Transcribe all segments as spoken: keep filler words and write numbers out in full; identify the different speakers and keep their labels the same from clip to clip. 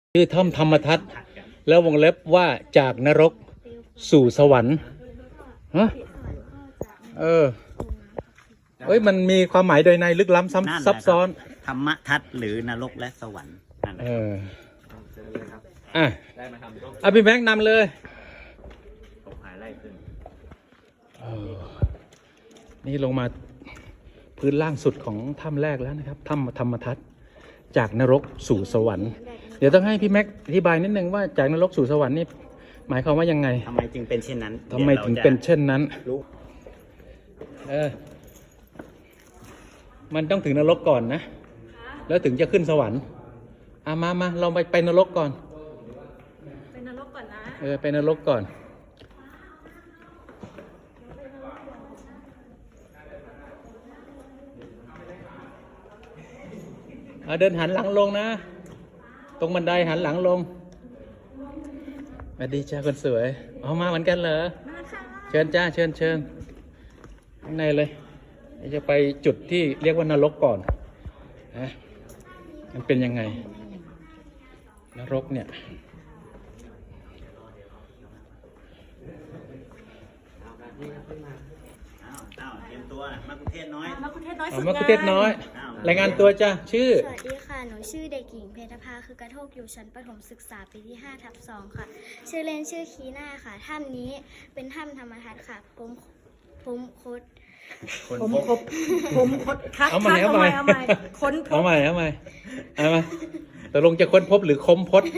Speaker 1: ชื่อถ้ำธรรมทัศน์แล้ววงเล็บว่าจากนรกสู่สวรรค์ฮะเออเอ้ยมันมีความหมายโดยในลึกล้ำ
Speaker 2: นั่นแหละ
Speaker 1: ซับซ้อน
Speaker 2: ธรรมทัศน์หรือนรกและสวรรค์นั่นแหละ
Speaker 1: เอออ่ะอ่ะพี่แม็กนำเลย
Speaker 2: ตกหายไล่ขึ้น
Speaker 1: เออนี่ลงมาพื้นล่างสุดของถ้ำแรกแล้วนะครับถ้ำธรรมทัศน์จากนรกสู่สวรรค์เดี๋ยวต้องให้พี่แม็กอธิบายนิดนึงว่าจากนรกสู่สวรรค์นี่หมายความว่ายังไง
Speaker 2: ทำไมจึงเป็นเช่นนั้น
Speaker 1: ทำไมถึงเป็นเช่นนั้น
Speaker 2: รู้
Speaker 1: เออมันต้องถึงนรกก่อนนะแล้วถึงจะขึ้นสวรรค์อ่ะมามาเราไปไปนรกก่อน
Speaker 3: เป็นนรกก่อนนะ
Speaker 1: เออไปนรกก่อนเอาเดินหันหลังลงนะตรงบันไดหันหลังลงสวัสดีจ้าคนสวยเอามาเหมือนกันเหรอ
Speaker 3: มาค่ะ
Speaker 1: เชิญจ้าเชิญเชิญข้างในเลยจะไปจุดที่เรียกว่านรกก่อนนะมันเป็นยังไงนรกเนี่ย
Speaker 2: อ้าวอ้าวเตรียมตัวนะมากรุงเทพน้อย
Speaker 3: มาคุณเทศน้อย
Speaker 1: เอา
Speaker 3: ฝึก
Speaker 1: มะ
Speaker 3: งา
Speaker 1: กุ
Speaker 3: น
Speaker 1: เทศน้อย
Speaker 2: อ้าว
Speaker 1: รายงานตัวจ้าชื่อ
Speaker 4: สวัสดีค่ะ หนูชื่อเด็กหญิงเพทภาคือกระโทกอยู่ชั้นประถมศึกษาปีที่ห้าทับสองค่ะ ชื่อเล่นชื่อคีน่าค่ะ ถ้ำนี้เป็นถ้ำธรรมทัศน์ค่ะ ผมผมคด
Speaker 2: คน
Speaker 3: ผม
Speaker 2: พบ
Speaker 3: ครบผมคดคัด
Speaker 1: เอาใหม่
Speaker 3: คัด
Speaker 1: เอาใหม่
Speaker 3: เอาใหม่ค้นพ
Speaker 1: เอา
Speaker 3: บ
Speaker 1: ใหม่เอาใหม่เอามาตกลงจะค้นพบหรือค้มพด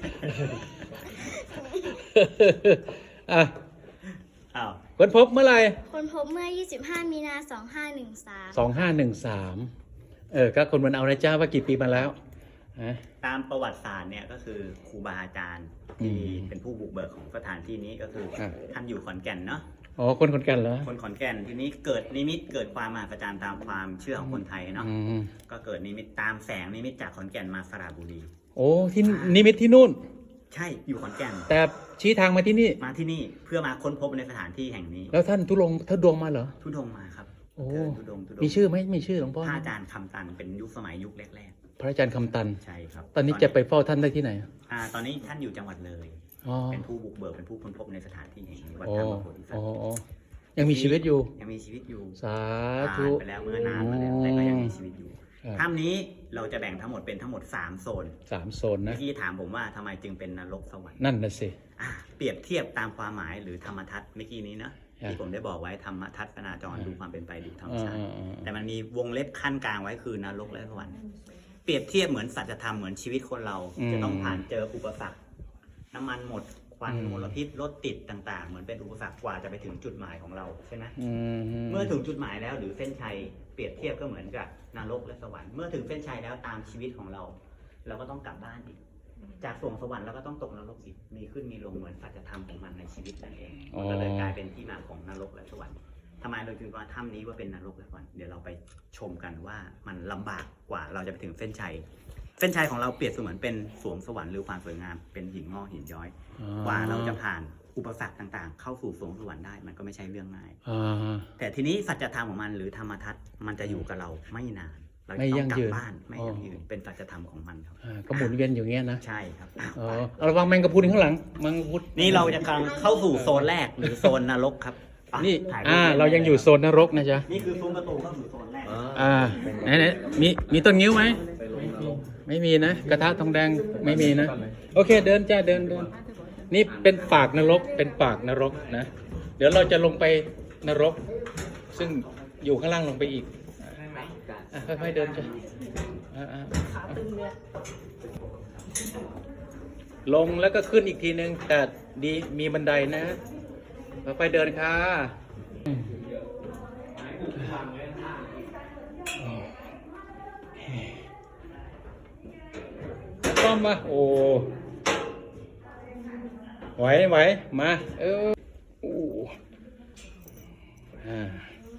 Speaker 1: อ่ะ
Speaker 2: อ้าว
Speaker 1: ค้นพบเมื่อไหร่
Speaker 4: คนพบเมื่อ ยี่สิบห้า มีนาสองห้าหนึ่งสาม
Speaker 1: สองห้าหนึ่งสามเออก็คนมันเอานะจ้าว่ากี่ปีมาแล้วฮะ
Speaker 2: ตามประวัติศาสตร์เนี่ยก็คือครูบาอาจารย์ที่
Speaker 1: อืม
Speaker 2: เป็นผู้บุกเบิกของสถานที่นี้ก็คือ
Speaker 1: ครับ
Speaker 2: ท่านอยู่ขอนแก่นเนาะ
Speaker 1: อ๋อคนคนกันเหรอ
Speaker 2: คนขอนแก่นทีนี้เกิดนิมิตเกิดความมหัศจรรย์ตามความเชื่อของคนไทยเนาะ
Speaker 1: อืม
Speaker 2: ก็เกิดนิมิตตามแสงนิมิตจากขอนแก่นมาสระบุรี
Speaker 1: โอ้ที่นิมิตที่นู่น
Speaker 2: ใช่อยู่ขอนแก่น
Speaker 1: แต่ชี้ทางมาที่นี่
Speaker 2: มาที่นี่เพื่อมาค้นพบในสถานที่แห่งนี้
Speaker 1: แล้วท่านทุลงท่านดวงมาเหรอ
Speaker 2: ทุดงค์มาครับ
Speaker 1: โอ้
Speaker 2: เดินทุดงค์ทุดงค์
Speaker 1: มีชื่อไหมมีชื่อหลวงพ่อ
Speaker 2: พระอาจารย์คำตันเป็นยุคสมัยยุคแรก
Speaker 1: พระอาจารย์คำตัน
Speaker 2: ๆ ใช่ครับ
Speaker 1: ตอนนี้จะไปเฝ้าท่านได้ที่ไหน
Speaker 2: อ่าตอนนี้ท่านอยู่จังหวัดเลย
Speaker 1: อ๋อ
Speaker 2: เป็นผู้บุกเบิกเป็นผู้ค้นพบในสถานที่แห่งนี้วัด
Speaker 1: อ๋อ
Speaker 2: ถ้ำพระโพธิสั
Speaker 1: อ๋
Speaker 2: ต
Speaker 1: อ
Speaker 2: ว์
Speaker 1: อ๋อยังมีชีวิตอยู่
Speaker 2: ยังมีชีวิตอยู่
Speaker 1: สา
Speaker 2: ผ่า
Speaker 1: ธุ
Speaker 2: นไปแล้วเมื่อนานมาแล้วแต่ก็ยังมีชีวิตอยู่
Speaker 1: ครับ
Speaker 2: ถ้ำนี้เราจะแบ่งทั้งหมดเป็นทั้งหมดสามโซน
Speaker 1: สามโซนนะ
Speaker 2: เมื่อกี้ถามผมว่าทำไมจึงเป็นนรกสวรรค์
Speaker 1: นั่นนะสิ
Speaker 2: อ่าเปรียบเทียบตามความหมายหรือธรรมทัศน์เมื่อกี้นี้นะ
Speaker 1: ครับ
Speaker 2: ที่ผมได้บอกไว้ธรรมทัศนาจรดูความเป็นไปดูธรรม
Speaker 1: อ่า
Speaker 2: ชาติ
Speaker 1: อ่าอ่า
Speaker 2: แต่มันมีวงเล็บขั้นกลางไว้คือนรกและสวรรค์เปรียบเทียบเหมือนสัจธรรมเหมือนชีวิตคนเรา จะต้องผ่านเจออุปสรรคน้ำมันหมดควันมลพิษรถติดต่างๆ เหมือนเป็นอุปสรรคกว่าจะไปถึงจุดหมายของเราใช่ไหม
Speaker 1: อืม
Speaker 2: เมื่อถึงจุดหมายแล้วหรือเส้นชัยเปรียบเทียบก็เหมือนกับนรกและสวรรค์เมื่อถึงเส้นชัยแล้วตามชีวิตของเรา เราก็ต้องกลับบ้านอีก จากสวงสวรรค์เราก็ต้องตกนรกอีกมีขึ้นมีลงเหมือนสัจธรรมของมันในชีวิตนั่นเองมันก็เลยกลายเป็นที่มาของนรกและสวรรค์ทำไมเราถึงว่าถ้ำนี้ว่าเป็นนรกและสวรรค์เดี๋ยวเราไปชมกันว่ามันลำบากกว่าเราจะไปถึงเส้นชัย เส้นชัยของเราเปรียบเสมือนเป็นสวงสวรรค์หรือความสวยงามเป็นหินงอกหินย้อย กว่าเราจะผ่านอุปสรรคต่างๆ เข้าสู่สวงสวรรค์ได้มันก็ไม่ใช่เรื่องง่าย
Speaker 1: อ่า
Speaker 2: แต่ทีนี้สัจธรรมของมันหรือธรรมทัศน์มันจะอยู่กับเราไม่นาน เรา
Speaker 1: ไม่
Speaker 2: จะต้
Speaker 1: ยั่
Speaker 2: อง
Speaker 1: ง
Speaker 2: กลั
Speaker 1: ยื
Speaker 2: บ
Speaker 1: น
Speaker 2: บ้านไม่
Speaker 1: อ๋อ
Speaker 2: ยั่งยืนเป็นสัจธรรมของมันครับ
Speaker 1: อ่าก็หมุนเวียนอยู่เงี้ยนะ
Speaker 2: ใช่ครับ
Speaker 1: อ๋อเอาระวังแมงกะพรุนข้างหลังแมงกะพรุน
Speaker 2: นี่เราจะกำลังเข้าสู่โซนแรกหรือโซนนรกครับไป
Speaker 1: นี่
Speaker 2: ถ่ยป
Speaker 1: อ่า เรายังอยู่โซนนรกนะจ๊ะ
Speaker 2: นี่คือซุ้มประตูเข้าสู่โซนแรก
Speaker 1: อ่าไหนไหนมีมีต้นงิ้วไหมไม่มีนะกระทะทองแดงไม่มีนะโอเคเดินจ้าเดินเดินนี่เป็นปากนรกเป็นปากนรกนะเดี๋ยวเราจะลงไปนรก ซึ่งอยู่ข้างล่างลงไปอีกอ่ะค่อยๆเดินจ้ะอ่าอ่าลงแล้วก็ขึ้นอีกทีนึงแต่ดีมีบันไดนะค่อยๆเดินค่ะต้อมมาโอ้ไหวไหวมาเอออู้อ่า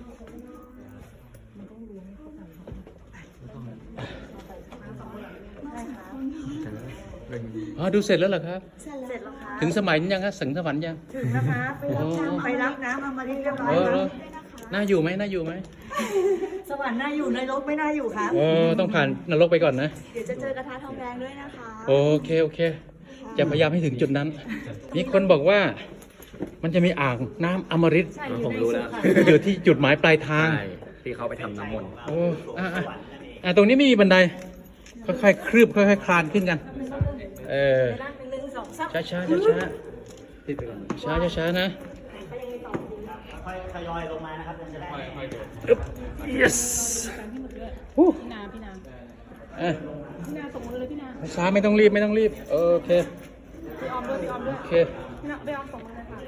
Speaker 1: อ๋อดูเสร็จแล้วเหรอครับ
Speaker 4: เสร็จ
Speaker 3: เสร็จแล้วคะ
Speaker 1: ถึงสมัยยังครับถึงสวรรค์ยัง
Speaker 3: ถึงนะคะไปรับน้ำไปรับน้ำเอามาเรียบร้อย
Speaker 1: เออ
Speaker 3: แล้
Speaker 1: เอ
Speaker 3: ว
Speaker 1: อน่าอยู่ไหมน่าอยู่ไหม
Speaker 3: สวรรค์น่าอยู่ในรกไม่น่าอยู่ครับ
Speaker 1: โอ้ต้องผ่านนรกไปก่อนนะ
Speaker 3: เดี๋ยวจะเจอกระทะทองแดงด้วยนะคะ
Speaker 1: โอเคโอเค จะพยายามให้ถึงจุดนั้น มีคนบอกว่ามันจะมีอ่างน้ำอมฤต
Speaker 3: ใช่อยู่
Speaker 5: ผม
Speaker 3: ใน
Speaker 5: รู้
Speaker 3: สุ
Speaker 5: แล้ว
Speaker 3: ขา
Speaker 1: อยู่ที่จุดหมายปลายทาง
Speaker 5: ใช่ที่เขาไปทำน้ำมนต์
Speaker 1: โอ้อ่ะอ่ะอ่ะตรงนี้ไม่มีบันได ค่อยๆ คลืบค่อยๆ คลานขึ้นกัน เออ
Speaker 3: ในร่างเป็นหนึ่งสองสาม
Speaker 1: ช้าช้าช้าช้าช้าช้าช้าๆนะ
Speaker 2: ค่อยทยอยลงมานะครับจะได้
Speaker 1: yes ฮู้
Speaker 3: พี่นาพี่นา
Speaker 1: อ่ะ
Speaker 3: พี่นาส่งมือเลยพี่นา
Speaker 1: ช้าไม่ต้องรีบไม่ต้องรีบ โอเค
Speaker 3: พี่ออมด้วยพี่ออมด้วย
Speaker 1: โอเค
Speaker 3: พี่นาพี่ออมส่งมือเลยค่ะ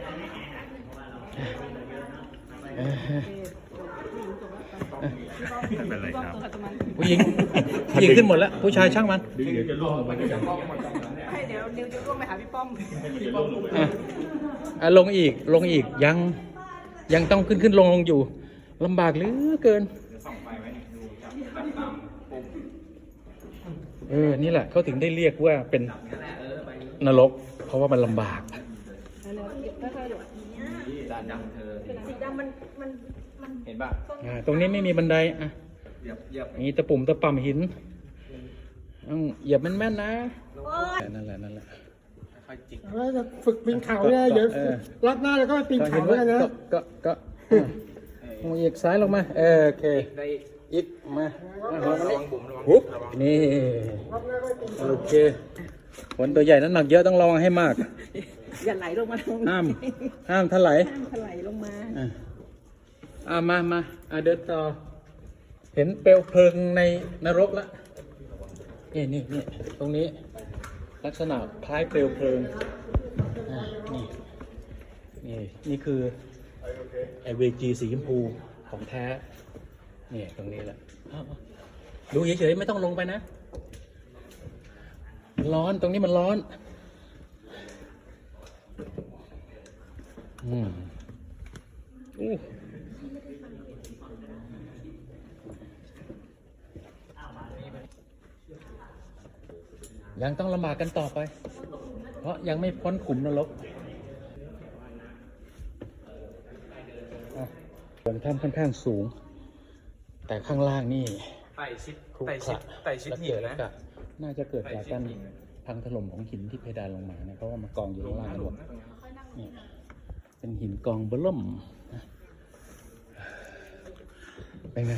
Speaker 1: เออ
Speaker 3: พี่บอมพี่บอมตัวขัดตัวมัน
Speaker 1: ผู้หญิงผู้หญิงขึ้นหมดแล้ว ผู้ชายช่างมัน
Speaker 3: ให้เดี๋ยวนิวจะร่วมไปหาพี่ป้อม
Speaker 1: อ่ะอ่ะลงอีกลงอีกยังยังต้องขึ้นขึ้นลงลงอยู่ลำบากเหลือเกินเออนี่แหละเขาถึงได้เรียกว่าเป็นนรก เพราะว่ามันลำบาก
Speaker 5: ด้านดำเธอ
Speaker 3: สีดำมันมันมัน
Speaker 5: เห็นป่ะ
Speaker 1: อ่าตรงนี้ไม่มีบันไดอ่ะ
Speaker 5: เหยียบเหยียบ
Speaker 1: มีตะปุ่มตะป่ำหินต้องเหยียบแม่นๆนะนั่นแหละนั่นแหละ
Speaker 5: ค่อยจิก
Speaker 6: แล้วจะฝึกปีนเขาเนี่ยเดี๋ยว
Speaker 1: เออ
Speaker 6: รอบหน้าเราก็ไปปีนเขาด้วยกันนะ
Speaker 1: ก็ก็ก็อ่ะลงอีกซ้ายลงมาเออโอเค
Speaker 5: ได้
Speaker 1: อีกมาอ่ะ
Speaker 5: ระ
Speaker 1: มา
Speaker 5: วังบุ๋มระวัง
Speaker 1: ปุ๊บ
Speaker 5: ระวัง
Speaker 1: นี่โอเคผลตัวใหญ่น้ำหนักเยอะต้องระวังให้มาก
Speaker 3: อย่าไหลลงมาตรง
Speaker 1: ห้ามห้ามถลาย
Speaker 3: ถลายลงมา
Speaker 1: อ่ะอ่ะมามาอ่ะเดินต่อ เห็นเปลวเพลิงในนรกแล้วนี่นี่นี่ตรงนี้ลักษณะคล้ายเปลวเพลิงอ่ะนี่นี่นี่คือไอเวจีสีชมพูของแท้นี่ตรงนี้แหละเอาเอาดูเฉยๆไม่ต้องลงไปนะ ร้อนตรงนี้มันร้อนอืมอู้ยังต้องลำบากกันต่อไป เพราะยังไม่พ้นขุมนรกอ่ะส่วนถ้ำค่อนข้างสูง แต่ข้างล่างนี่
Speaker 5: ไต่ชิด
Speaker 1: ครุ
Speaker 5: ไต่
Speaker 1: ข
Speaker 5: ชิด
Speaker 1: ระ
Speaker 5: ไต่ชิด
Speaker 1: และ
Speaker 5: หิ
Speaker 1: เกิ
Speaker 5: น
Speaker 1: ด
Speaker 5: นะ
Speaker 1: จากน่าจะเกิดจากการพังถล่มของหินที่เพดานลงมาเนี่ยเพราะว่ามากองอยู่ข้างล่างกันหมดนี่เป็นหินกองเบล่มนะเป็นไง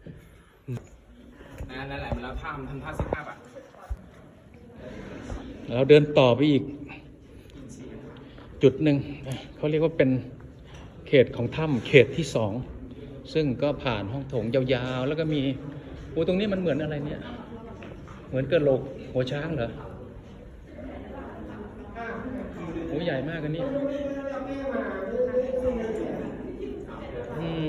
Speaker 5: นั่นแหละมันแล้วท่ามันทำท่าซิทอัพอ่ะ
Speaker 1: เราเดินต่อไปอีก จุดหนึ่งนะเขาเรียกว่าเป็นเขตของถ้ำเขตที่สองซึ่งก็ผ่านห้องโถงยาวๆ แล้วก็มีโอ้ตรงนี้มันเหมือนอะไรเนี่ย เหมือนกระโหลกหัวช้างเหรอโอ้ใหญ่มากอันนี้อืม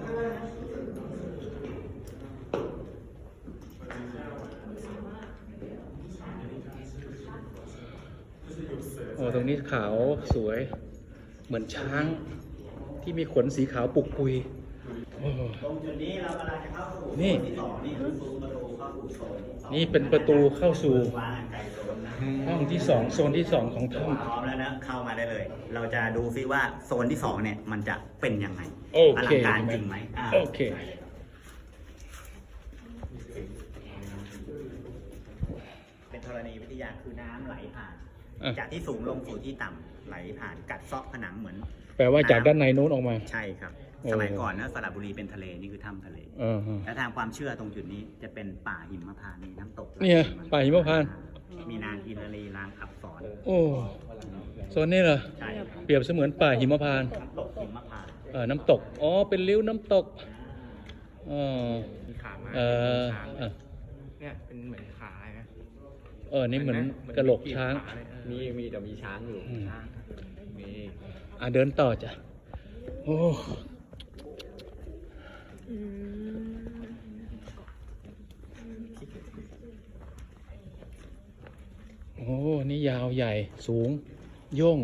Speaker 1: โอ้ตรงนี้ขาวสวย เหมือนช้างที่มีขนสีขาวปุกปุยโอ้
Speaker 2: ตรงจุดนี้เรากำลังจะเข้าสู่
Speaker 1: นี่
Speaker 2: ที่สองนี่คือประตูเข้าสู่โซน
Speaker 1: นี่เป็นประตูเข้าสู่
Speaker 2: วางไกลโซนนะ
Speaker 1: ห้องที่สองโซนที่สองของถ้
Speaker 2: พร้อมแล้วนะเข้ามาได้เลย เราจะดูซิว่าโซนที่สองเนี่ยมันจะเป็นยังไง
Speaker 1: ำโอ
Speaker 2: อ
Speaker 1: เค
Speaker 2: ลังการจริงไหมอ่า
Speaker 1: โอเค
Speaker 2: เป็นธรณีวิทยาคือน้ำไหลผ่าน
Speaker 1: อ่ะ
Speaker 2: จากที่สูงลงสู่ที่ต่ำไหลผ่านกัดเซาะผนังเหมือน
Speaker 1: แปลว่าจากด้านในนู้นออกมา
Speaker 2: ใช่ครับ
Speaker 1: โอ้
Speaker 2: สมัยก่อนนะสระบุรีเป็นทะเลนี่คือถ้ำทะเล
Speaker 1: เออฮะ
Speaker 2: และทางความเชื่อตรงจุดนี้จะเป็นป่าหิมพานต์มีน้ำตก
Speaker 1: เนี่ยป่าหิมพานต์
Speaker 2: มีนางกินรีรางอับสร
Speaker 1: โอ้โซนนี้เหรอ
Speaker 2: ใช่ครับ
Speaker 1: เปรียบเสมือนป่าหิมพานต์
Speaker 2: น้ำตกหิมพานต์
Speaker 1: เออน้ำตก อ๋อ เป็นริ้วน้ำตกเออ
Speaker 5: มีขามา
Speaker 1: เออ
Speaker 5: ช้าง
Speaker 1: เออ
Speaker 5: เนี่ยเป็นเหมือนขาเลยนะ
Speaker 1: เออ นี่เหมือนกระโหลกช้าง
Speaker 5: มีมีเดี๋ยวมีช้างอยู่
Speaker 1: อืม
Speaker 5: ช้างมี
Speaker 1: อ่ะเดินต่อจ้ะ โอ้โอ้ นี่ยาวใหญ่สูง โย่ง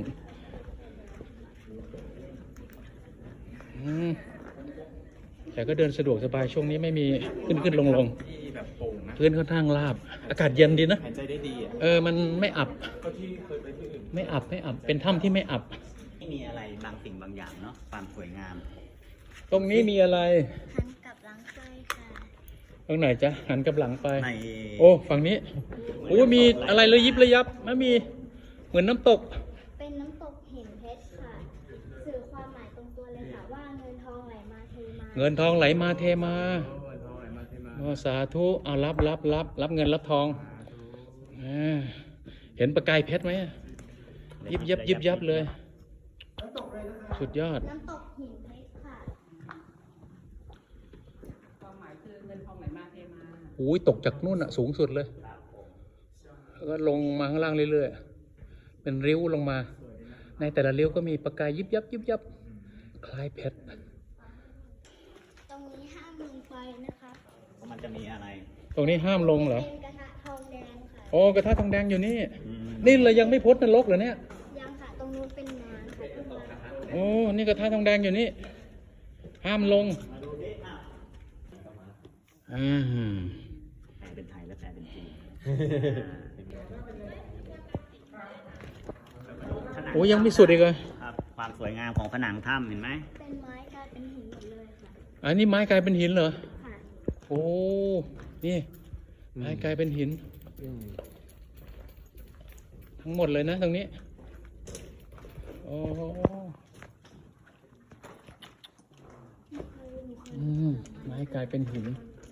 Speaker 1: อืมแต่ก็เดินสะดวกสบายช่วงนี้ไม่มีขึ้นขึ้นลงลง
Speaker 5: ที่แบบโป่งนะ
Speaker 1: พื้นค่อนข้างราบ อากาศเย็นดีนะ
Speaker 5: หายใจได้ดีอ่ะ
Speaker 1: เออ มันไม่อับ
Speaker 5: ก็ที่เคยไปที่อื่น
Speaker 1: ไม่อับ ไม่อับ เป็นถ้ำที่ไม่อับ
Speaker 2: ไม่มีอะไรบางสิ่งบางอย่างเนาะความสวยงาม
Speaker 1: ตรงนี้มีอะไร
Speaker 4: หันกลับหลังเคยค่ะ
Speaker 1: ตรงไหนจ๊ะหันกลับหลังไป
Speaker 2: ใน
Speaker 1: โอ้ฝั่งนี้โอ้มีอะไรระยิบระยับไม่มีเหมือนน้ำตก
Speaker 4: เป็นน้ำตกหินเพชรค่ะ สื่อความหมายตรงตัวเลยค่ะว่าเงินทองไหลมาเทมา
Speaker 1: เงินทองไหลมาเทมาโอ้สาธุเอารับรับรับรับเงินรับทองอ่าเห็นประกายเพชรไหมยิบยับยิบยับเลย สุดยอด
Speaker 4: น้ำตกหินเพชรค่ะ
Speaker 3: ความหมายคือเงินทองไหลมาเทมา
Speaker 1: โอ้ยตกจากนู่นอะสูงสุดเลยแล้วก็ลงมาข้างล่างเรื่อยๆเป็นริ้วลงมา ในแต่ละริ้วก็มีประกายยิบยับยิบยับคล้ายเพชร
Speaker 4: ตรงนี้ห้ามลงไฟนะคะ
Speaker 2: มันจะมีอะไร
Speaker 1: ตรงนี้ห้ามลงเหรอ
Speaker 4: เป็นกระทะทองแดงค่ะ
Speaker 1: โอ้กระทะทองแดงอยู่นี่
Speaker 2: อืม
Speaker 1: นี่เรายังไม่พ้นนรกเหรอเนี่ย
Speaker 4: ยังค่ะ ตรงนู้นเป็นน้ำค่ะที่มา
Speaker 1: โอ้นี่กระทะทองแดงอยู่นี่ ห้ามลง
Speaker 2: มาดูดิอ้าว
Speaker 1: อ่า
Speaker 2: แปลเป็นไทยและแปลเป็นจีน
Speaker 1: โอ้ยังไม่สุดอีกเลย
Speaker 2: ครับความสวยงามของผนังถ้ำเห็นไหม
Speaker 4: เป็นไม้กลายเป็นหินหมดเลยค่ะ
Speaker 1: อันนี้ไม้กลายเป็นหินเหรอ
Speaker 4: ค่ะ
Speaker 1: โอ้ นี่ไม้กลายเป็นหิน ทั้งหมดเลยนะตรงนี้ โอ้อืมไม้กลายเป็นหิน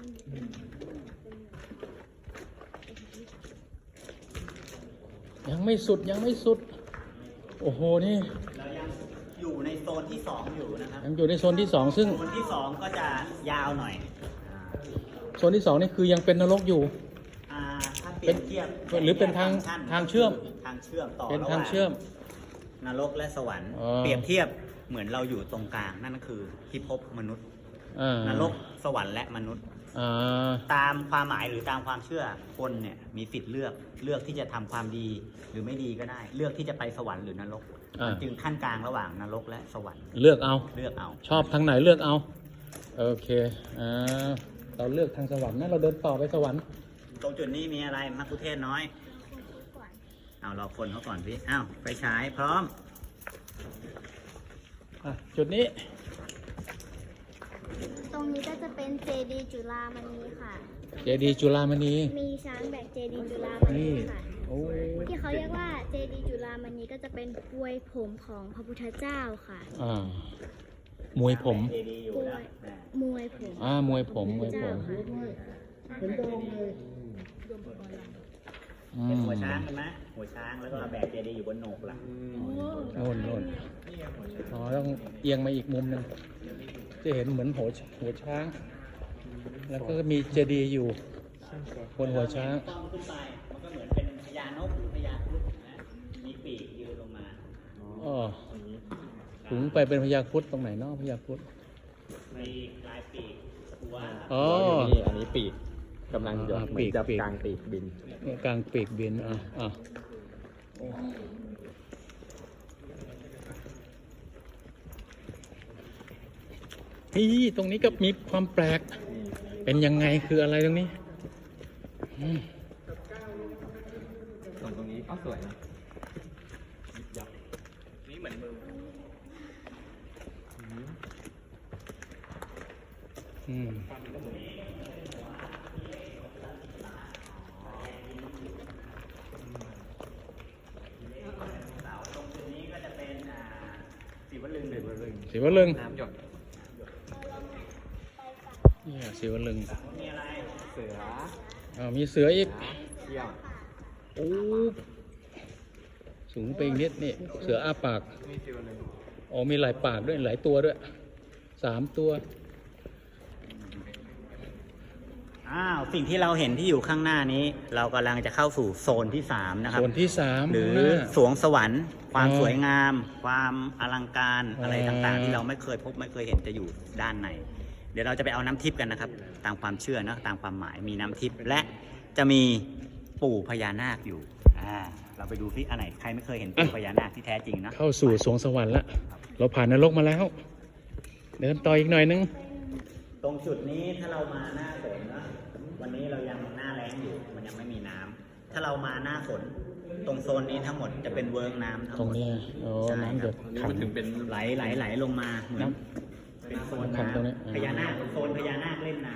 Speaker 1: ยังไม่สุดยังไม่สุด โอ้โห นี่
Speaker 2: เรายังอยู่ในโซนที่สองอยู่นะครับ
Speaker 1: ยังอยู่ในโซนที่สองซึ่ง
Speaker 2: โซนที่สองก็จะยาวหน่อย
Speaker 1: โซนที่สองนี่คือยังเป็นนรกอยู่
Speaker 2: อ่าถ้าเปรียบเทียบ
Speaker 1: หรือเป็นทาง
Speaker 2: ชั้น
Speaker 1: ทางเชื่อม
Speaker 2: ทางเชื่อมต่อ
Speaker 1: เป็น
Speaker 2: ระห
Speaker 1: ทาง
Speaker 2: ว่าง
Speaker 1: เชื่อม
Speaker 2: นรกและสวรรค์
Speaker 1: อ๋อ
Speaker 2: เปรียบเทียบเหมือนเราอยู่ตรงกลางนั่นก็คือพิภพมนุษย์
Speaker 1: อ่าน
Speaker 2: รกสวรรค์และมนุษย์
Speaker 1: อ่า
Speaker 2: ตามความหมายหรือตามความเชื่อคนเนี่ยมีสิทธิ์เลือกเลือกที่จะทำความดีหรือไม่ดีก็ได้ เลือกที่จะไปสวรรค์หรือนรก
Speaker 1: อ่า
Speaker 2: มันจึงขั้นกลางระหว่างนรกและสวรรค์
Speaker 1: เลือกเอา
Speaker 2: เลือกเอา
Speaker 1: ชอบทางไหนเลือกเอา โอเค อ่า เราเลือกทางสวรรค์นะ เราเดินต่อไปสวรรค์
Speaker 2: ตรงจุดนี้มีอะไรมักคุเทศน้อย
Speaker 4: ก่อน
Speaker 2: เอารอคนเขาก่อนพี่อ้าวไฟฉายพร้อม
Speaker 1: อ่ะ จุดนี้
Speaker 4: ตรงนี้ก็จะเป็นเจดีย์จุฬามณีค่ะ
Speaker 1: เจดีย์จุฬามณี
Speaker 4: มีช้างแบกเจดีย์จุฬามณี
Speaker 1: นี่
Speaker 4: ค่ะ
Speaker 1: โอ้
Speaker 4: ที่เขาเรียกว่าเจดีย์จุฬามณีก็จะเป็นปวยผมของพระพุทธเจ้าค่ะ
Speaker 1: อ่า มวยผม
Speaker 2: เจดีย์อยู่แล้วนะ
Speaker 4: มวยผม
Speaker 1: อ่ามวยผม มวยผม
Speaker 6: เห็นโดมเลย
Speaker 1: อื
Speaker 2: เป็น
Speaker 1: ม
Speaker 2: หัวช้างเห็นไหมหัวช้างแล้วก็แบกเจดีย์อยู่บนโหนกหลัง
Speaker 1: โน่นโน่นอ๋อ ต้องเอียงมาอีกมุมหนึง จะเห็นเหมือนหัวหัวช้าง แล้วก็มีเจดีย์อยู่บนหัวช้าง
Speaker 2: ต้องขึ้นไปมันก็เหมือนเป็นพญานกหรือพญาครุฑนะมีปีกยืนลงมา
Speaker 1: อ๋อถุงไปเป็นพญาครุฑตรงไหนเนาะพญาครุฑ
Speaker 2: มีลายปีกหัว
Speaker 1: อ๋อ
Speaker 5: นี่อันนี้ปีกกำลังจะ
Speaker 1: อ่า
Speaker 5: เหมื
Speaker 1: ปี
Speaker 5: อน
Speaker 1: ก
Speaker 5: จะ
Speaker 1: ปีก
Speaker 5: กลางปีกบิน
Speaker 1: เนี่ยกลางปีกบิน อ่ะอ่ะนี่ตรงนี้ก็มีความแปลก เป็นยังไงคืออะไรตรงนี้อืม
Speaker 5: ส่วนตรงนี้ก็สวยนะยิบยับนี่เหมือนมือ
Speaker 1: อืม
Speaker 2: เสาตรงจุดนี้ก็จะเป็นอ่าสีวลึงหรือวลึง
Speaker 1: ศิวลึง
Speaker 5: น้ำหยด
Speaker 1: เนี่ยศิวลึง
Speaker 2: มีอะไร
Speaker 5: เสือ
Speaker 1: อ่าวมีเสืออีก
Speaker 5: เที่ยว
Speaker 1: โอ้สูงไปอีกนิดนี่ เสืออ้าปาก
Speaker 5: นี่ฟิวเลย
Speaker 1: อ๋อมีหลายปากด้วยหลายตัวด้วย สามตัว
Speaker 2: อ้าวสิ่งที่เราเห็นที่อยู่ข้างหน้านี้ เรากำลังจะเข้าสู่โซนที่สามนะครับ
Speaker 1: ส่วนที่สาม
Speaker 2: หรือ
Speaker 1: ข้างน้า
Speaker 2: สวงสวรรค์ ความ
Speaker 1: อ๋อ
Speaker 2: สวยงาม ความอลังการอะไร
Speaker 1: อ๋อ
Speaker 2: ต่างๆ ที่เราไม่เคยพบไม่เคยเห็นจะอยู่ด้านในเดี๋ยวเราจะไปเอาน้ำทิพย์กันนะครับ ตามความเชื่อนะตามความหมายมีน้ำทิพย์และจะมีปู่พญานาคอยู่อ่าเราไปดูซิอันไหนใครไม่เคยเห็นปู่พญานาคที่แท้จริงนะ
Speaker 1: เข้าสู่สวงสวรรค์แล้ว เราผ่านนรกมาแล้ว เดินต่ออีกหน่อยนึง
Speaker 2: ตรงจุดนี้ถ้าเรามาหน้าฝนนะวันนี้เรายังหน้าแล้งอยู่มันยังไม่มีน้ำถ้าเรามาหน้าฝนตรงโซนนี้ทั้งหมดจะเป็นเวิร์กน้ำทั้ง
Speaker 1: ตร
Speaker 2: ห
Speaker 1: ง
Speaker 2: มด
Speaker 1: นี้โอ้
Speaker 2: ใช่
Speaker 1: น้ำหยด
Speaker 5: นี่
Speaker 1: ขัง
Speaker 5: มันถึงเป็น
Speaker 2: ไหลไหลไหลลงมาเหมือน
Speaker 1: น้
Speaker 2: เป็นโซน
Speaker 1: ขังตรงนี้
Speaker 2: น้ำพญานาคโซนพญานาคเล่นน้ำ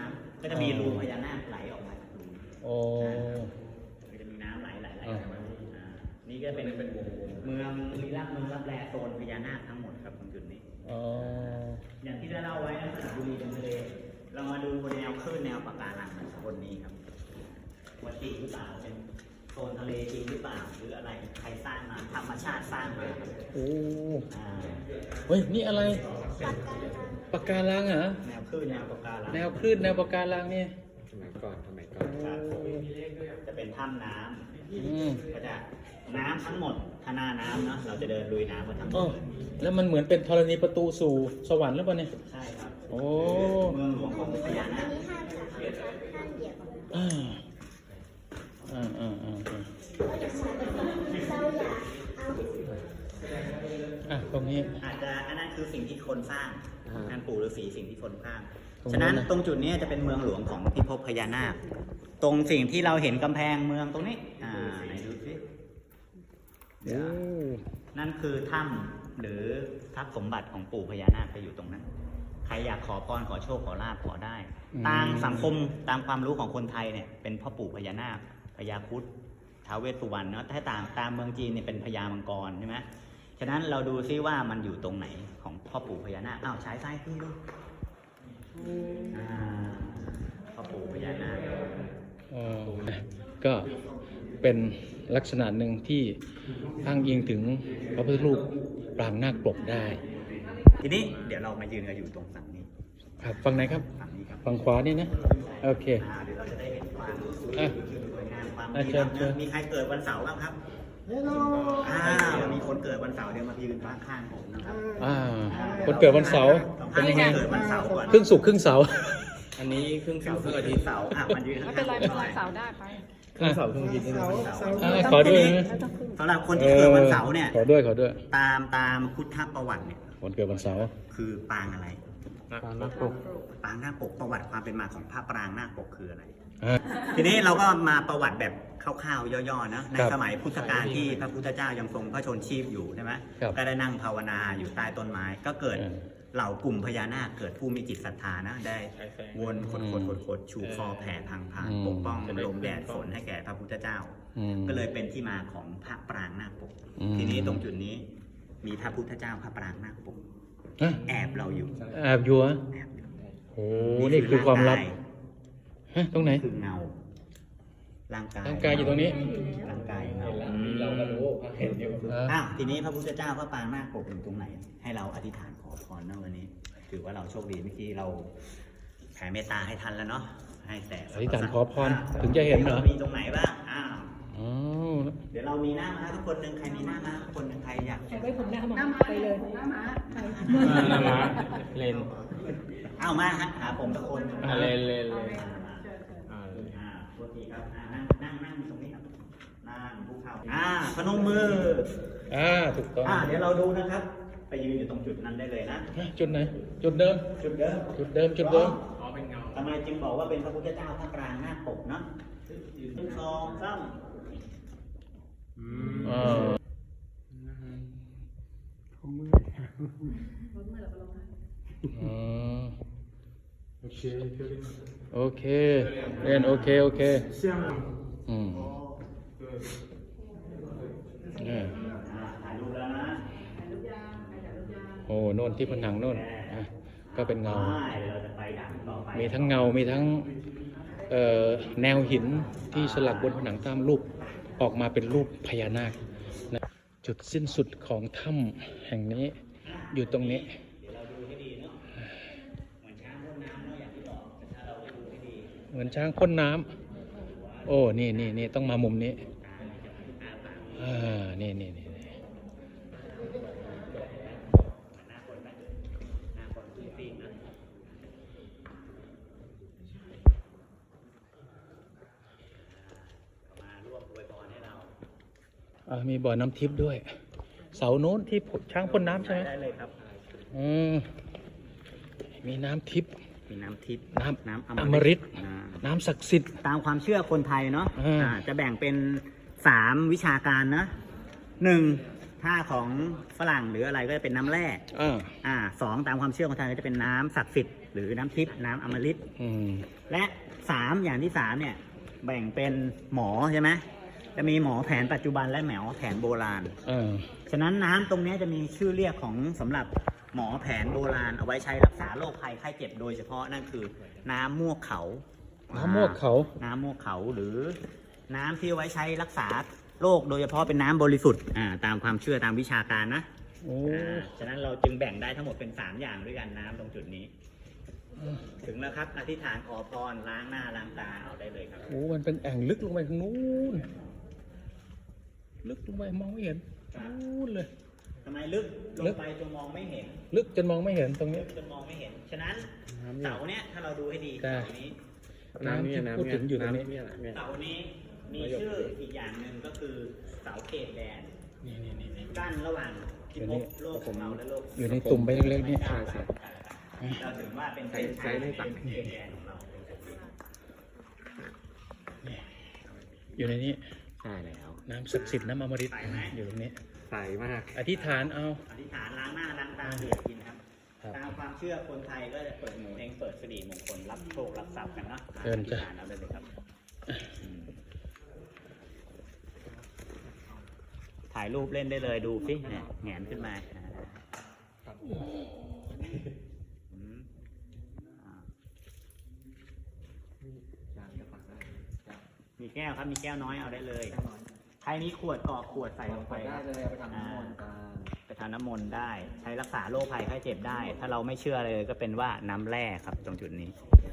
Speaker 2: ก็จะมีรูพญานาคไหลออกมาจากรู
Speaker 1: โอ้
Speaker 2: ก็จะมีน้ำไหลไหลไหลออกมาอ่านี่ก็เป็นเป็นเมืองลีลาเมืองรับแลโซนพญานาคทั้งหมดครับตรงจุดนี้
Speaker 1: อ๋อ
Speaker 2: อย่างที่ได้เล่าไว้นะสระบุรีเป็นทะเลเรามาดูแนวคลื่นแนวปะการังบนนี้ครับว่าจริงหรือเปล่าเป็นโซนทะเลจริงหรือเปล่าหรืออะไรใครสร้างมาธรรมชาติสร้างมา
Speaker 1: โอ้
Speaker 2: อ่า
Speaker 1: เฮ้ย นี่อะไร ปะการังเหรอ
Speaker 2: แนวคลื่นแนวปะการัง
Speaker 1: แนวคลื่นแนวปะการังเนี่ย
Speaker 5: สมัยก่อนสมัยก่อน
Speaker 2: ครับจะเป็นถ้ำน้
Speaker 1: อืม
Speaker 2: ำก็จะน้ำทั้งหมดถ้าหน้าน้ำเนาะเราจะเดินลุยน้ำมาทั้งหม
Speaker 1: อ๋อ
Speaker 2: ด
Speaker 1: แล้วมันเหมือนเป็นธรณีประตูสู่สวรรค์หรือเปล่าเนี่ย
Speaker 2: ใช่ครับ
Speaker 1: โอ้
Speaker 2: เมืองหลวงของพญานา
Speaker 4: อัน
Speaker 2: ค
Speaker 4: นี้ห้ามจับนะคะห้ามเหยียบ
Speaker 1: อ่าอ่าอ่าอ่าอ่า
Speaker 4: เราอยากเอา
Speaker 1: อ่ะตรงนี้
Speaker 2: อาจจะอันนั้นคือสิ่งที่คนสร้างการปู่ฤาษีสิ่งที่คนสร้าง
Speaker 1: ตรงนู้นนะ
Speaker 2: ฉะนั้นตรงจุดนี้จะเป็นเมืองหลวงของพิภพพญานาค ตรงสิ่งที่เราเห็นกำแพงเมืองตรงนี้ อ่าไหนดูสิ
Speaker 1: โอ้
Speaker 2: นั่นคือถ้ำหรือทรัพย์สมบัติของปู่พญานาคไปอยู่ตรงนั้น ใครอยากขอพรขอโชคขอลาภขอได้ ตามสังคมตามความรู้ของคนไทยเนี่ยเป็นพ่อปู่พญานาคพญาครุฑท้าวเวสสุวรรณเนาะถ้าตามตามเมืองจีนเนี่ยเป็นพญามังกรใช่ไหมฉะนั้นเราดูซิว่ามันอยู่ตรงไหนของพ่อปู่พญานาคอ้าวฉายซ้ายขึ้นดูอ่าพ่อปู่พญานาค
Speaker 1: เออก็เป็นลักษณะหนึ่งที่อ้างอิงถึงพระพุทธรูปปรางนาคปกได้
Speaker 2: ทีนี้เดี๋ยวเรามายืนกันอยู่ตรงฝั่งนี้
Speaker 1: ครับฝั่งไหนครับ
Speaker 2: ฝั่งนี้ครับ
Speaker 1: ฝั่งขวานี่นะ โอเค
Speaker 2: อ่าเดี๋ยวเราจะได้เห็นความส
Speaker 1: อ่ะ
Speaker 2: วยงามความ
Speaker 1: อ่ะ
Speaker 2: ดี
Speaker 1: เชิญ
Speaker 2: งาม
Speaker 1: เชิญ
Speaker 2: มีใครเกิดวันเสาร์บ้างครับ
Speaker 6: เฮลโล
Speaker 2: อ่ามีคนเกิดวันเสาร์เดี๋ยวมายืนข้างๆผมนะครับ
Speaker 1: อ่าคนเกิดวันเสาร์
Speaker 2: เป็
Speaker 1: เป็น น
Speaker 2: ยั
Speaker 1: ยัง ง
Speaker 2: ไง
Speaker 1: ไง
Speaker 2: เกิดวันเสาร์ก่อน
Speaker 1: ครึ่งสุกร์ครึ่งเสาร์
Speaker 5: อันนี้ครึ่งเสาร์ครึ่งอาทิตย์
Speaker 2: เสาร์อ่ะมันยืน
Speaker 3: ไม่
Speaker 2: ข้าง
Speaker 3: เป็นไร
Speaker 2: ๆ
Speaker 3: ไม่
Speaker 2: ผมห
Speaker 3: เป็นไร
Speaker 2: น่อย
Speaker 3: เสาร์ได้ไป
Speaker 5: ครึ่งเสาร์ครึ่งอาทิตย์นี่
Speaker 6: เสา
Speaker 5: นะ
Speaker 6: เสา
Speaker 1: อ่าขอด้วยนะ
Speaker 2: สำหรับคนที่เกิดวันเสาร์เนี่ย
Speaker 1: ขอด้วยขอด้วย
Speaker 2: ตามตามพุทธประวัติเนี่ย
Speaker 1: คนเกิดวันเสาร์
Speaker 2: คือปางอะไร
Speaker 5: ปางนาคปก
Speaker 2: ปางนาคปกประวัติความเป็นมาของพระปรางนาคปกคืออะไร
Speaker 1: อ่า
Speaker 2: ทีนี้เราก็มาประวัติแบบคร่าวๆย่อๆนะใน
Speaker 1: ครับ
Speaker 2: สมัยพุทธกาลที่พระพุทธเจ้ายังทรงพระชนชีพอยู่ใช่ไหม
Speaker 1: ครับ
Speaker 2: ก็ได้นั่งภาวนาอยู่ใต้ต้นไม้ ก็เกิด
Speaker 1: เออ
Speaker 2: เหล่ากลุ่มพญานาคเกิดผู้มีจิตศรัทธานะได้วนขดขดขดขดชูคอแผ่พังพาน
Speaker 1: อืม
Speaker 2: ปกป้องลมแดดฝนให้แก่พระพุทธเจ้า
Speaker 1: อืม
Speaker 2: ก็เลยเป็นที่มาของพระปรางนาคปก
Speaker 1: อืม
Speaker 2: ทีนี้ตรงจุดนี้มีพระพุทธเจ้าพระปรางนาคปก
Speaker 1: ฮะ
Speaker 2: แอบเราอยู่
Speaker 1: แอบอยู่เหรอ
Speaker 2: แอบอยู่
Speaker 1: โอ้นี่คือความลับ ฮะ ตรงไหน
Speaker 2: คือเงาร่างกาย
Speaker 1: ร่างกายอยู่ตรงนี้
Speaker 2: ร่างกายเงา
Speaker 5: เราก็รู้เห็นอยู่
Speaker 1: อ่า
Speaker 2: อ้าวทีนี้พระพุทธเจ้าพระปรางนาคปกอยู่ตรงไหน ให้เราอธิษฐานขอพรนะวันนี้ ถือว่าเราโชคดีเมื่อกี้เราแผ่เมตตาให้ท่านแล้วเนาะให้แต่
Speaker 1: อธิษฐานขอพรถึงจะเห็นเหรอ
Speaker 2: มีตรงไหนบ้างอ้าว
Speaker 1: อ๋อ
Speaker 2: เดี๋ยวเรามีหน้าม้าทุกคนหนึ่งใครมีหน้าม้าทุกคนหนึ่งใครอยาก
Speaker 3: ไว้ผมหน้ามาไปเลยหน้ามาไป
Speaker 5: นามาเลน
Speaker 2: อ้าวมาฮะหาผมทุกคน
Speaker 5: อ่าเลนเลนเลน
Speaker 2: อ่ามา
Speaker 5: อ่า
Speaker 2: อ่าโทษทีครับอ่านั่งนั่งนั่งตรงนี้ครับนั่งภูเขาอ่าพนมมือ
Speaker 1: อ่า ถูกต้อง
Speaker 2: อ่าเดี๋ยวเราดูนะครับ ไปยืนอยู่ตรงจุดนั้นได้เลยนะ
Speaker 1: ฮะจุดไหน จุดเดิม
Speaker 2: จุดเดิม
Speaker 1: จุดเดิม จุดเดิม
Speaker 5: อ๋อเป็นเงา
Speaker 2: ทำไมจึงบอกว่าเป็นพระพุทธเจ้าพระปรางนาคปกเนาะหนึ่งสองสาม
Speaker 5: อืม
Speaker 1: อ่า อ๋อ
Speaker 6: โอเคเพื่อน
Speaker 1: โอเคเรียนโอเค โอเค
Speaker 6: เสี่ยง
Speaker 1: อืมอ่า
Speaker 2: อ่าถ่ายรูปแล้วนะ
Speaker 1: โอ้โน่นที่ผนังโน่นอ่ะก็เป็นเงา
Speaker 2: ใช่เราจะไปด่านต่อไป
Speaker 1: มีทั้งเงา มีทั้งเอ่อแนวหินที่สลักบนผนังตามรูปออกมาเป็นรูปพญานาคนะจุดสิ้นสุดของถ้ำแห่งนี้อยู่ตรงนี้
Speaker 2: เดี๋ยวเราดูให้ดีเนาะเหมือนช้างพ่นน้ำเนาะอย่างที่บอกแต่ถ้าเราดูให้ดี
Speaker 1: เหมือนช้างพ่นน้ำโอ้ นี่นี่นี่ต้องมามุมนี้ อ่า นี่นี่นี่นี่
Speaker 2: หน้าคนไหมหน้าคนที่ปีนนะมาร่วมอวยพรให้เรา
Speaker 1: อ่ามีบ่อน้ำทิพย์ด้วย เสาโน้นที่ช้างพ่นน้ำใช่ไหม
Speaker 2: ได้เลยครับ
Speaker 1: อืมมีน้ำทิพย์
Speaker 2: มีน้ำทิพย์
Speaker 1: น้ำ
Speaker 2: น้ำ
Speaker 1: อมฤต
Speaker 2: อ่า
Speaker 1: น้ำศักดิ์สิทธิ์
Speaker 2: ตามความเชื่อคนไทยเนาะ
Speaker 1: อ่า
Speaker 2: อ่าจะแบ่งเป็นสามวิชาการนะหนึ่งถ้าของฝรั่งหรืออะไรก็จะเป็นน้ำแร่
Speaker 1: อ่า
Speaker 2: อ่าสองตามความเชื่อของทางก็จะเป็นน้ำศักดิ์สิทธิ์หรือน้ำทิพย์น้ำอมฤต
Speaker 1: อืม
Speaker 2: และสามอย่างที่สามเนี่ยแบ่งเป็นหมอใช่ไหมจะมีหมอแผนปัจจุบันและหมอแผนโบราณ
Speaker 1: อ่า
Speaker 2: ฉะนั้นน้ำตรงเนี้ยจะมีชื่อเรียกของสำหรับหมอแผนโบราณเอาไว้ใช้รักษาโรคภัยไข้เจ็บโดยเฉพาะนั่นคือน้ำมูกเขา
Speaker 1: น้ำมวกเขา
Speaker 2: น้ำมูกเขาหรือน้ำที่เอาไว้ใช้รักษาโรคโดยเฉพาะเป็นน้ำบริสุทธิ์อ่าตามความเชื่อตามวิชาการนะ
Speaker 1: โอ้
Speaker 2: อ่าฉะนั้นเราจึงแบ่งได้ทั้งหมดเป็นสามอย่างด้วยกันน้ำตรงจุดนี้ ถึงแล้วครับอธิษฐานขอพรล้างหน้าล้างตาเอาได้เลยครับ
Speaker 1: โหมันเป็นแอ่งลึกลงไปทางนู้น ลึกลงไปมองไม่เห็นนู้นเลย
Speaker 2: ทำไมลึกล
Speaker 1: ลึ
Speaker 2: ง
Speaker 1: ก
Speaker 2: ไปจนมองไม่เห็น
Speaker 1: ลึกจนมองไม่เห็นตรงนี้
Speaker 2: ลึกจนมองไม่เห็น ฉะนั้นเสาเนี้ยถ้าเราดูให้ดี
Speaker 1: ได้
Speaker 2: เสานี้
Speaker 1: น้ำที่พูดถึงอยู่ตรงนี้
Speaker 2: เสานี้มีชื่ออีกอย่างหนึ่งก็คือเสาเขตแดน
Speaker 1: นี่นี่นี่นี่
Speaker 2: กั้นระหว่างพิภพโลกของเราและโลก
Speaker 1: อยู่ในตุ่มใบเล็กๆนี่
Speaker 2: ใช่ใช่เราถึงว่าเป็นเส้นชัยเป็นเขตแดนของเรา
Speaker 1: อยู่ในนี้
Speaker 5: ใช่แล้ว
Speaker 1: น้ำศักดิ์สิทธิ์น้ำอมฤตอยู่ตรงนี้
Speaker 5: ใสมาก
Speaker 1: อธิษฐานเอา
Speaker 2: อธิษฐานล้างหน้าล้างตาเดือดกินครับ
Speaker 1: ครับ
Speaker 2: ตามความเชื่อคนไทยก็จะเปิดหมูเองเปิดสิริมงคลรับโชครับทรัพย์กันเนาะ
Speaker 1: เชิญจ้ะ
Speaker 2: อธิษฐานเอาได้เลยครับอืมถ่ายรูปเล่นได้เลยดูสิเนี่ยแหงนขึ้นมาอ่าอืมอ่ามีแก้วครับมีแก้วน้อยเอาได้เลยใครมีขวดกรอกขวดใส่ลงไปครับ
Speaker 5: ไปทำน้ำมนต์กัน
Speaker 2: ไปทำน้ำมนต์ได้ใช้รักษาโรคภัยไข้เจ็บได้ ถ้าเราไม่เชื่อเลยก็เป็นว่าน้ำแร่ครับตรงจุดนี้